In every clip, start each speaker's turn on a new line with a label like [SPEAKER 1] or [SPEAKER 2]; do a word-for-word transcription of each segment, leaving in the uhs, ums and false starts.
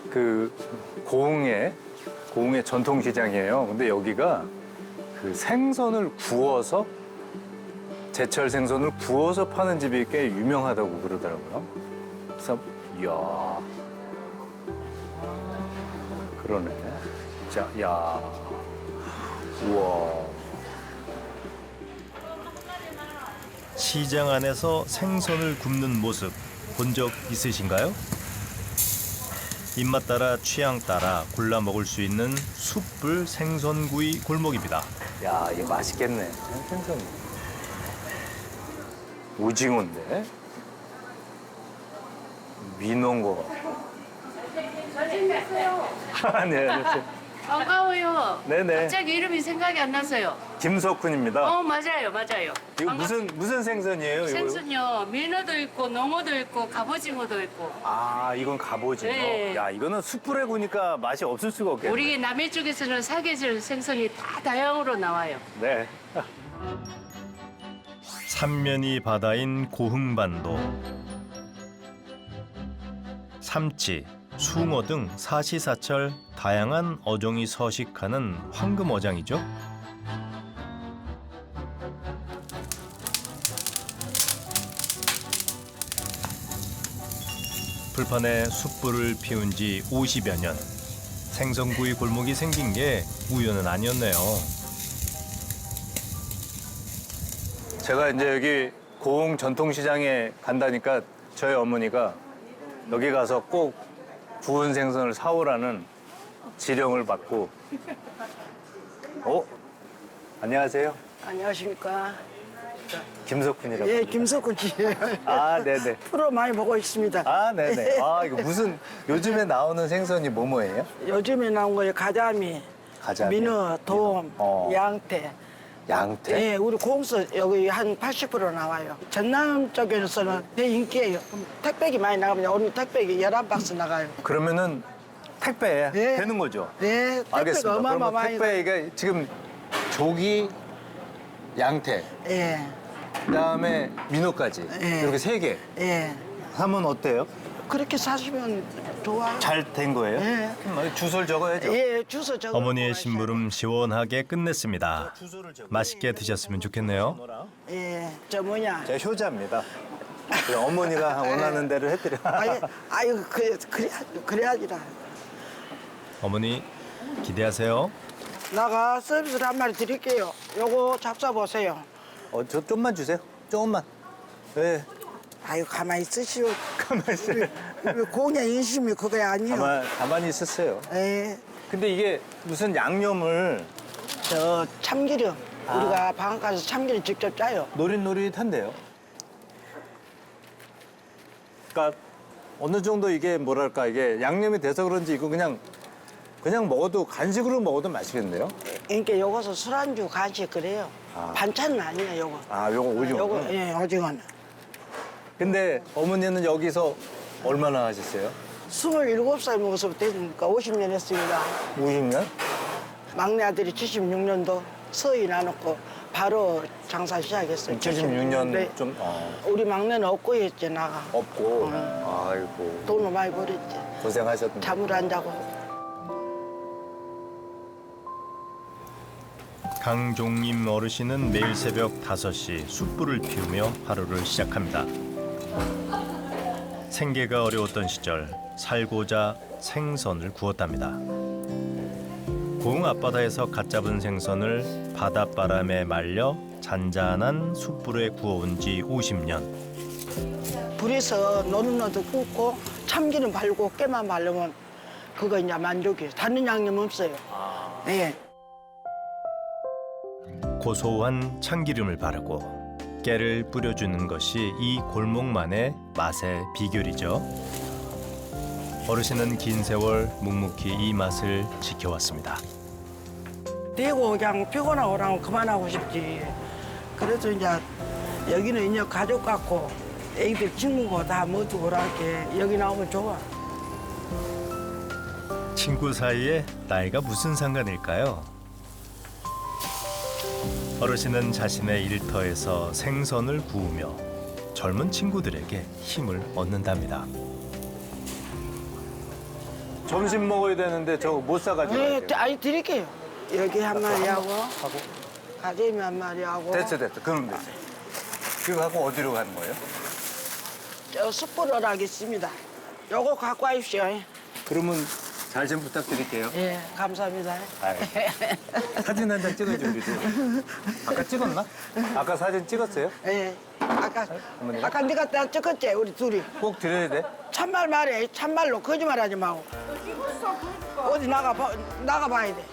[SPEAKER 1] 그 고흥의 고흥의 전통시장이에요. 근데 여기가 그 생선을 구워서 제철 생선을 구워서 파는 집이 꽤 유명하다고 그러더라고요. 그래서 이야 그러네. 자, 야, 우와.
[SPEAKER 2] 시장 안에서 생선을 굽는 모습 본 적 있으신가요? 입맛 따라 취향 따라 골라 먹을 수 있는 숯불 생선구이 골목입니다.
[SPEAKER 1] 야, 이거 맛있겠네. 생선. 오징어인데? 민어인 거 같고.
[SPEAKER 3] 잘생겼어요.
[SPEAKER 1] 아, 네, 안녕하세요.
[SPEAKER 3] 반가워요.
[SPEAKER 1] 네네.
[SPEAKER 3] 갑자기 이름이 생각이 안 나서요.
[SPEAKER 1] 김석훈입니다.
[SPEAKER 3] 어, 맞아요, 맞아요.
[SPEAKER 1] 이거
[SPEAKER 3] 반갑-
[SPEAKER 1] 무슨, 무슨 생선이에요? 이거?
[SPEAKER 3] 생선요. 민어도 있고, 농어도 있고, 갑오징어도 있고.
[SPEAKER 1] 아, 이건 갑오징어.
[SPEAKER 3] 네.
[SPEAKER 1] 야, 이거는 숯불에 구니까 맛이 없을 수가 없겠네.
[SPEAKER 3] 우리 남해 쪽에서는 사계절 생선이 다 다양으로 나와요.
[SPEAKER 1] 네.
[SPEAKER 2] 삼면이 바다인 고흥반도. 삼치, 숭어 등 사시사철 다양한 어종이 서식하는 황금어장이죠. 불판에 숯불을 피운 지 오십여 년. 생선구이 골목이 생긴 게 우연은 아니었네요.
[SPEAKER 1] 제가 이제 여기 고흥 전통시장에 간다니까 저희 어머니가 여기 가서 꼭 구운 생선을 사오라는 지령을 받고. 어? 안녕하세요.
[SPEAKER 4] 안녕하십니까.
[SPEAKER 1] 김석훈이라고.
[SPEAKER 4] 예, 김석훈 씨.
[SPEAKER 1] 아, 네네.
[SPEAKER 4] 프로 많이 보고 있습니다.
[SPEAKER 1] 아, 네네. 아, 이거 무슨 요즘에 나오는 생선이 뭐뭐예요?
[SPEAKER 4] 요즘에 나온 거에 가자미,
[SPEAKER 1] 가자미,
[SPEAKER 4] 민어, 돔,
[SPEAKER 1] 어.
[SPEAKER 4] 양태.
[SPEAKER 1] 양태.
[SPEAKER 4] 예, 우리 공서 여기 한 팔십 퍼센트 나와요. 전남 쪽에서는 대 인기예요. 택배기 많이 나가면 오늘 택배기 열한 박스 나가요.
[SPEAKER 1] 그러면은 택배
[SPEAKER 4] 네.
[SPEAKER 1] 되는 거죠?
[SPEAKER 4] 네, 택배가
[SPEAKER 1] 알겠습니다. 그러면
[SPEAKER 4] 어마어마하게.
[SPEAKER 1] 택배가 지금 조기, 양태,
[SPEAKER 4] 예,
[SPEAKER 1] 그다음에 민어까지
[SPEAKER 4] 네.
[SPEAKER 1] 이렇게 세 개.
[SPEAKER 4] 예.
[SPEAKER 1] 하면 어때요?
[SPEAKER 4] 그렇게 사시면 좋아요.
[SPEAKER 1] 잘 된 거예요?
[SPEAKER 4] 네.
[SPEAKER 1] 그럼 주소를 적어야죠.
[SPEAKER 4] 예, 주소 적어.
[SPEAKER 2] 어머니의 심부름 시원하게 끝냈습니다. 맛있게 드셨으면 좋겠네요.
[SPEAKER 4] 예, 저 뭐냐.
[SPEAKER 1] 제가 효자입니다. 그냥 어머니가 원하는 대로 해드려.
[SPEAKER 4] 아유, 아유, 그래, 그래, 그래야지라.
[SPEAKER 2] 어머니 기대하세요.
[SPEAKER 4] 나가 서비스를 한 마리 드릴게요. 요거 잡숴 보세요.
[SPEAKER 1] 어, 저 좀만 주세요. 조금만. 네.
[SPEAKER 4] 아유, 가만히 있으시오.
[SPEAKER 1] 가만히 있어요.
[SPEAKER 4] 우리 공의 인심이 그거 아니요.
[SPEAKER 1] 가만, 가만히 있었어요.
[SPEAKER 4] 예,
[SPEAKER 1] 근데 이게 무슨 양념을
[SPEAKER 4] 저 참기름.
[SPEAKER 1] 아.
[SPEAKER 4] 우리가 방앗 가서 참기름 직접 짜요.
[SPEAKER 1] 노릇노릇한데요. 그러니까 어느 정도 이게 뭐랄까 이게 양념이 돼서 그런지 이거 그냥 그냥 먹어도 간식으로 먹어도 맛있겠네요.
[SPEAKER 4] 그러니까 요것은 술안주 간식 그래요.
[SPEAKER 1] 아.
[SPEAKER 4] 반찬은 아니에요, 요거.
[SPEAKER 1] 아, 요거 오징어.
[SPEAKER 4] 요거, 예, 오징어는.
[SPEAKER 1] 근데 어머니는 여기서 얼마나 하셨어요?
[SPEAKER 4] 스물일곱 살 먹어서부터 했으니까 오십 년 했습니다.
[SPEAKER 1] 오십 년?
[SPEAKER 4] 막내 아들이 칠십육 년도 서희 나눴고 바로 장사 시작했어요.
[SPEAKER 1] 칠십육 년
[SPEAKER 4] 네.
[SPEAKER 1] 좀 어,
[SPEAKER 4] 우리 막내는 없고 했지, 나가.
[SPEAKER 1] 없고.
[SPEAKER 4] 음.
[SPEAKER 1] 아이고
[SPEAKER 4] 돈을 많이 벌었지.
[SPEAKER 1] 고생하셨네.
[SPEAKER 4] 잠을 안 자고.
[SPEAKER 2] 강종임 어르신은 매일 새벽 다섯 시 숯불을 피우며 하루를 시작합니다. 생계가 어려웠던 시절 살고자 생선을 구웠답니다. 고흥 앞바다에서 갓 잡은 생선을 바닷바람에 말려 잔잔한 숯불에 구워온 지 오십 년.
[SPEAKER 4] 불에서 노릇노릇 굽고 참기름 바르고 깨만 바르면 그거 이제 만족이에요. 다른 양념 없어요. 네.
[SPEAKER 2] 고소한 참기름을 바르고 깨를 뿌려주는 것이 이 골목만의 맛의 비결이죠. 어르신은 긴 세월 묵묵히 이 맛을 지켜왔습니다.
[SPEAKER 4] 되고 그냥 피곤하고 그러면 그만하고 싶지. 그래서 이제 여기는 이제 가족 같고 애기들 친구고 다 모두 그렇게 여기 나오면 좋아.
[SPEAKER 2] 친구 사이에 나이가 무슨 상관일까요? 어르신은 자신의 일터에서 생선을 구우며 젊은 친구들에게 힘을 얻는답니다.
[SPEAKER 1] 점심 먹어야 되는데 저거 못 사가지고.
[SPEAKER 4] 네,
[SPEAKER 1] 가야 돼요.
[SPEAKER 4] 아니 드릴게요. 여기 한 마리하고
[SPEAKER 1] 하고.
[SPEAKER 4] 가재미 한 마리하고
[SPEAKER 1] 됐어, 됐어. 그럼 됐어. 그거 갖고 어디로 가는 거예요?
[SPEAKER 4] 저 숯불을 하겠습니다. 요거 갖고 와십시오.
[SPEAKER 1] 그러면 잘 좀 부탁드릴게요.
[SPEAKER 4] 예, 감사합니다.
[SPEAKER 1] 아유, 사진 한 장 찍어줘, 우리도. 아까 찍었나? 아까 사진 찍었어요?
[SPEAKER 4] 예, 아까
[SPEAKER 1] 어머니가?
[SPEAKER 4] 아까 네가 딱 찍었지 우리 둘이.
[SPEAKER 1] 꼭 드려야 돼?
[SPEAKER 4] 참말 말해, 참말로 거짓말하지 마고. 어디 나가 봐, 나가 봐야 돼.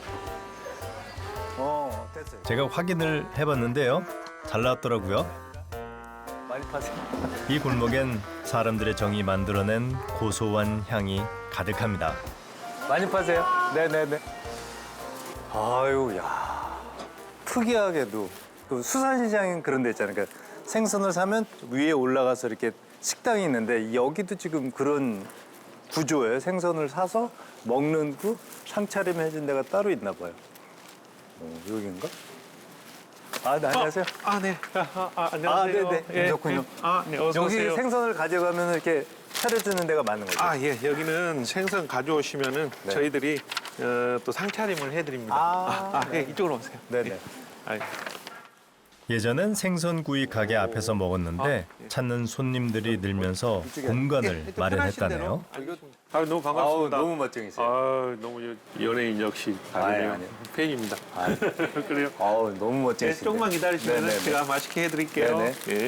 [SPEAKER 1] 어, 됐어요.
[SPEAKER 2] 제가 확인을 해봤는데요. 잘 나왔더라고요.
[SPEAKER 1] 많이 파세요.
[SPEAKER 2] 이 골목엔 사람들의 정이 만들어낸 고소한 향이 가득합니다.
[SPEAKER 1] 많이 파세요? 네네네. 아유, 야. 특이하게도 그 수산시장인 그런 데 있잖아요. 그러니까 생선을 사면 위에 올라가서 이렇게 식당이 있는데 여기도 지금 그런 구조예요. 생선을 사서 먹는 그 상차림 해준 데가 따로 있나 봐요. 어, 여긴가? 아, 네, 안녕하세요.
[SPEAKER 5] 아, 네. 아, 아,
[SPEAKER 1] 아,
[SPEAKER 5] 안녕하세요.
[SPEAKER 1] 네네.
[SPEAKER 5] 예,
[SPEAKER 1] 좋군요.
[SPEAKER 5] 예. 아, 네. 어서
[SPEAKER 1] 여기
[SPEAKER 5] 오세요.
[SPEAKER 1] 생선을 가져가면 이렇게 차려주는 데가 많은 거죠?
[SPEAKER 5] 아, 예. 여기는 생선 가져오시면은
[SPEAKER 1] 네.
[SPEAKER 5] 저희들이 어, 또 상차림을 해드립니다.
[SPEAKER 1] 아,
[SPEAKER 5] 아, 예. 이쪽으로 오세요.
[SPEAKER 1] 네네.
[SPEAKER 5] 예. 아, 예.
[SPEAKER 2] 예전엔 생선구이 가게 앞에서 먹었는데 찾는 손님들이 늘면서 공간을
[SPEAKER 5] 예,
[SPEAKER 2] 마련했다네요.
[SPEAKER 5] 아, 너무
[SPEAKER 1] 아우,
[SPEAKER 5] 반갑습니다.
[SPEAKER 1] 너무 멋쟁이세요.
[SPEAKER 5] 아, 너무 여- 연예인 역시
[SPEAKER 1] 아니,
[SPEAKER 5] 다르네요.
[SPEAKER 1] 아니요.
[SPEAKER 5] 팬입니다.
[SPEAKER 1] 아유.
[SPEAKER 5] 그래요?
[SPEAKER 1] 아우, 너무
[SPEAKER 5] 네,
[SPEAKER 1] 멋쟁이신데.
[SPEAKER 5] 조금만 기다리시면
[SPEAKER 1] 네네네.
[SPEAKER 5] 제가 맛있게 해드릴게요.
[SPEAKER 1] 네네.
[SPEAKER 5] 예.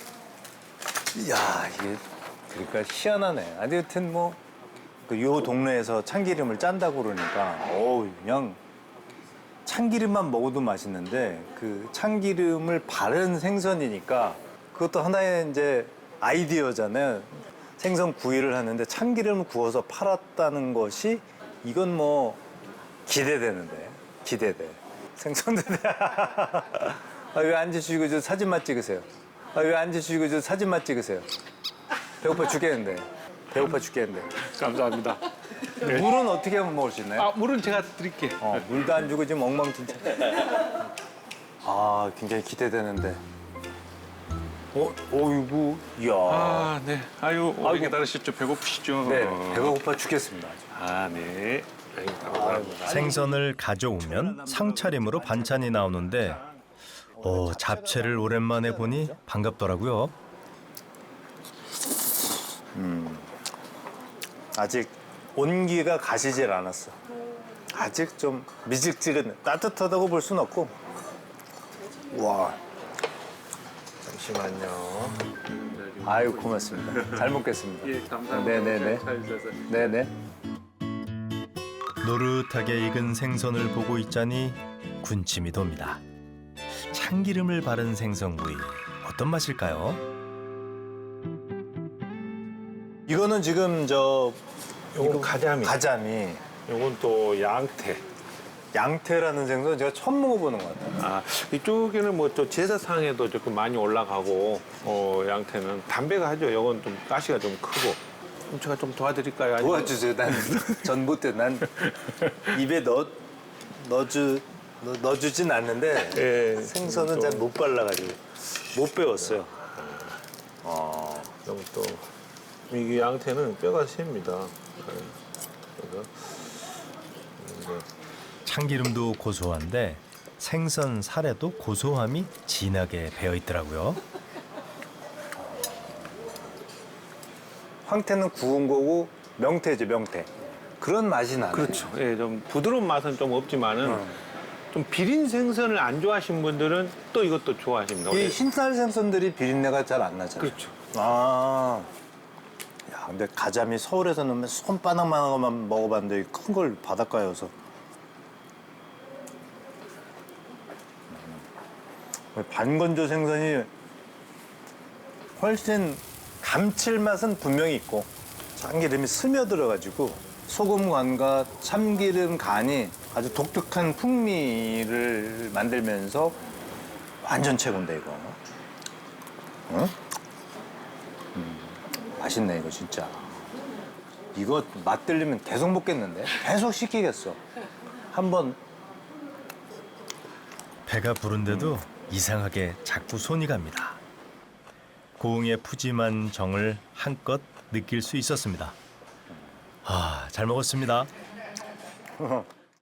[SPEAKER 1] 이야, 이게 그러니까 희한하네. 아니, 여튼 뭐, 그 요 동네에서 참기름을 짠다고 그러니까, 어우, 그냥 참기름만 먹어도 맛있는데, 그 참기름을 바른 생선이니까 그것도 하나의 이제 아이디어잖아요. 생선 구이를 하는데 참기름을 구워서 팔았다는 것이 이건 뭐 기대되는데, 기대돼. 생선들. 아, 왜 앉으시고 저 사진만 찍으세요? 아, 왜 앉으시고 저 사진만 찍으세요? 배고파 죽겠는데. 배고파 죽겠는데.
[SPEAKER 5] 감사합니다.
[SPEAKER 1] 물은 어떻게 하면 먹을 수 있나요?
[SPEAKER 5] 아, 물은 제가 드릴게요.
[SPEAKER 1] 어, 물도 안 주고 지금 엉망진창. 아, 굉장히 기대되는데. 어, 어이구, 이야.
[SPEAKER 5] 아, 네. 아유, 오래
[SPEAKER 1] 아이고.
[SPEAKER 5] 기다리셨죠? 배고프시죠?
[SPEAKER 1] 네, 배가 고파 죽겠습니다. 아주.
[SPEAKER 5] 아, 네. 아유, 감사합니다.
[SPEAKER 2] 생선을 가져오면 상차림으로 반찬이 나오는데 어, 잡채를 오랜만에 보니 반갑더라고요.
[SPEAKER 1] 아직 온기가 가시질 않았어. 아직 좀 미직지근, 따뜻하다고 볼 순 없고. 와. 잠시만요. 아유, 고맙습니다. 잘 먹겠습니다.
[SPEAKER 5] 예, 감사합니다.
[SPEAKER 1] 네네네.
[SPEAKER 5] 잘 주셔서.
[SPEAKER 1] 네네.
[SPEAKER 2] 노릇하게 익은 생선을 보고 있자니 군침이 돕니다. 참기름을 바른 생선구이 어떤 맛일까요?
[SPEAKER 1] 이거는 지금 저
[SPEAKER 5] 요건 가자미.
[SPEAKER 1] 가자미,
[SPEAKER 5] 요건 또 양태.
[SPEAKER 1] 양태라는 생선 제가 처음 먹어보는 것 같아요.
[SPEAKER 5] 아, 이쪽에는 뭐 또 제사상에도 조금 많이 올라가고, 어, 양태는 담배가 하죠. 요건 좀 가시가 좀 크고. 그럼 제가 좀 도와드릴까요? 아니면-
[SPEAKER 1] 도와주세요. 난 전 못해. 난 입에 넣어 넣어주 넣- 넣어주진 않는데
[SPEAKER 5] 예.
[SPEAKER 1] 생선은 잘 못 발라가지고 못 배웠어요. 어.
[SPEAKER 5] 그럼 또 이게 양태는 뼈가 셉니다. 네. 그래서 이제
[SPEAKER 2] 참기름도 고소한데 생선 살에도 고소함이 진하게 배어 있더라고요.
[SPEAKER 1] 황태는 구운 거고 명태죠, 명태. 그런 맛이 나네.
[SPEAKER 5] 그렇죠. 예, 좀 부드러운 맛은 좀 없지만은
[SPEAKER 1] 어.
[SPEAKER 5] 좀 비린 생선을 안 좋아하시는 분들은 또 이것도 좋아하십니다.
[SPEAKER 1] 이 흰살 생선들이 비린내가 잘 안 나잖아요.
[SPEAKER 5] 그렇죠.
[SPEAKER 1] 아. 야, 근데 가자미 서울에서 넣으면 손바닥만한 것만 먹어봤는데 큰 걸 바닷가여서. 음. 반건조 생선이 훨씬 감칠맛은 분명히 있고 참기름이 스며들어가지고 소금 간과 참기름 간이 아주 독특한 풍미를 만들면서 완전 최고인데 이거. 응? 음, 맛있네 이거 진짜. 이거 맛 들리면 계속 먹겠는데? 계속 시키겠어. 한번
[SPEAKER 2] 배가 부른데도 이상하게 자꾸 손이 갑니다. 고흥의 푸짐한 정을 한껏 느낄 수 있었습니다. 아, 잘 먹었습니다.